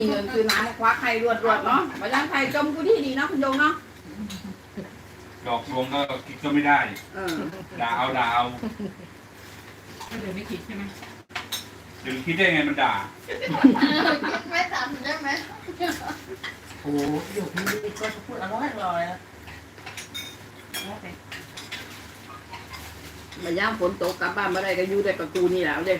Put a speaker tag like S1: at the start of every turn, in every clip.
S1: เงินคือน้ำคว้าไข่รวดเนาะเพราะฉะนั้นไข่จมกูที่ดีเนาะคุณโยงเนาะ
S2: ดอกลวงก็คิดก็ไม่ได้ด่าเอา
S3: ก็เลยไม่คิดใช่ไหม
S2: เดี๋ยวคิดได้ไงมันด่า
S4: ไม่ทำได้ไหม
S3: โอ้อยู่พี่ก็พูดอร่อยแล้ว
S1: มาย่างฝนตกกลับบ้านมาได้ก็อยู่ได้กับกูนี่แหละเด้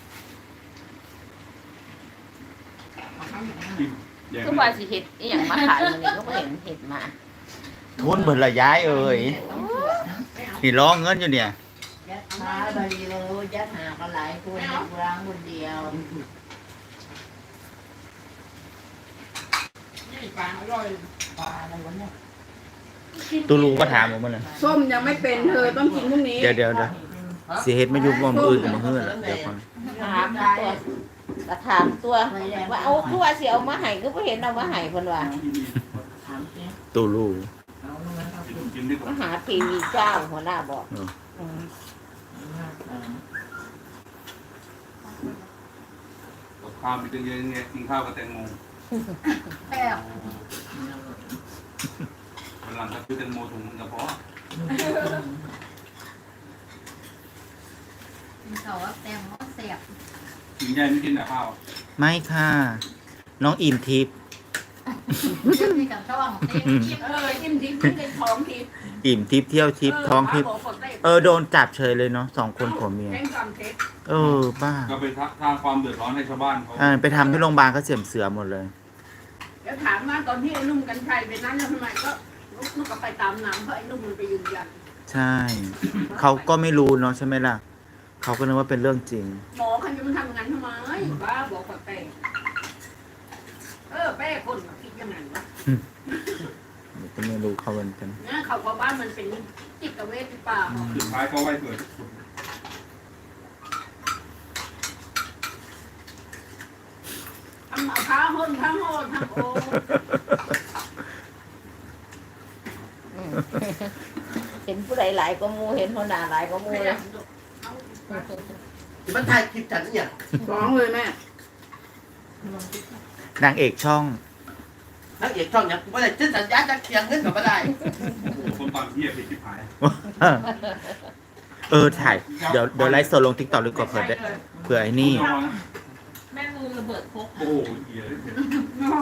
S4: คือว่าสิเห็ดอีหยังมาขายมันนี่ก็เห็นเห็ดมา
S5: ทุนเบิดละย้ายเอ่ยนี่ร้องเงินอยู่เนี่ย
S4: ยัดมาใบเลยยัดหากันหลายคนร้างคนเดียว
S3: นี่ปลาอร่อย
S4: ปลาอะไรวะเนี่ย
S5: ตูรูก็ถามผมมาเลย
S1: ส้มยังไม่เป็นเธอต้องกินพรุ่งนี้
S5: เดี๋ยวสิเฮ็ดมาอยู่บ่มอื่นกับมื้อฮื้อล่ะเดี๋ยวก่อน
S4: ถามตัวกระถามตัวว่าเอาคือว่าสิเอามาให้ก็บ่เห็นเอามาให้เพิ่นว่าถามสิ
S5: ตูรู
S2: กินได้กับ
S4: มหาทีวีเจ้าหัวหน้าบอก
S2: ข้าวมีตั้งเยอะไงกินข้าวกับแตงโม
S4: แซ่บ
S2: วันหลังก็ซื้อแตงโมถุงกระเพาะ
S4: กินข้าวแซ่บแซ่บ
S2: กินใหญ่ไม่กินแต่ข้าว
S5: ไม่ค่ะ น้องอิ่มทิพย์
S4: มีกับช่อง
S1: จิ้มทิพย์เป็นท้องทิพย์
S5: อิ่มทิพย์เที่ยวทิพย์ท้องทิพย์โดนจับเฉยเลยเนาะ2 คนผัวเมีย
S1: แข่งกันเท็จ
S5: บ้า
S2: ก็ไปสร้างความเดือดร้อนให้ชาวบ้านเขา
S5: ไปทำที่โรงพยาบาลก็เสียมเสือหมดเลย
S1: เดี๋ยวถามว่าตอนที่ไอ้นุ่มกันชัยไปนั้นแล้วทำไมก็ลูกก็ไปตามน้ำเพราะไอ้นุ่มมันไปยืนยัน
S5: ใช่ เขาก็ไม่รู้เนาะใช่ไหมล่ะ เขาก็นึกว่าเป็นเรื่องจริง
S1: หมอคันจะมันทำงานทำไมบ้าบอกกับแป้แป้คนคิดยังไงวะ
S5: ก็ไม่รู้เขาเหมือนกัน
S1: นะเขาว่าบ้านมันเป็นจิตเวชหรือเปล่า
S2: สุดท้ายก็ไหวเกิด
S1: ทำเอาท้าห้นทั้งโหดทั้งโอ้
S4: เห็นผู้ใดหลายก็มูเห็นหัวหน้าหลายก็มูเลย
S3: มันถ่ายคลิปฉันเนี่ย
S1: ฟ้องเลยแม่
S5: นางเอกช่อง
S3: นักเอกช่องเนี่ยไม่ได้จิ้นสัญญาจะเคียงเงินกับไม่ได้
S2: คนตอนที่ผิดที่หาย
S5: ถ่าย เดี๋ยวไลฟ์สดลง TikTok หรือก็เผื่อไอ้นี่
S3: แม่มือระเบิดพก
S2: โอ้โหเหี้ย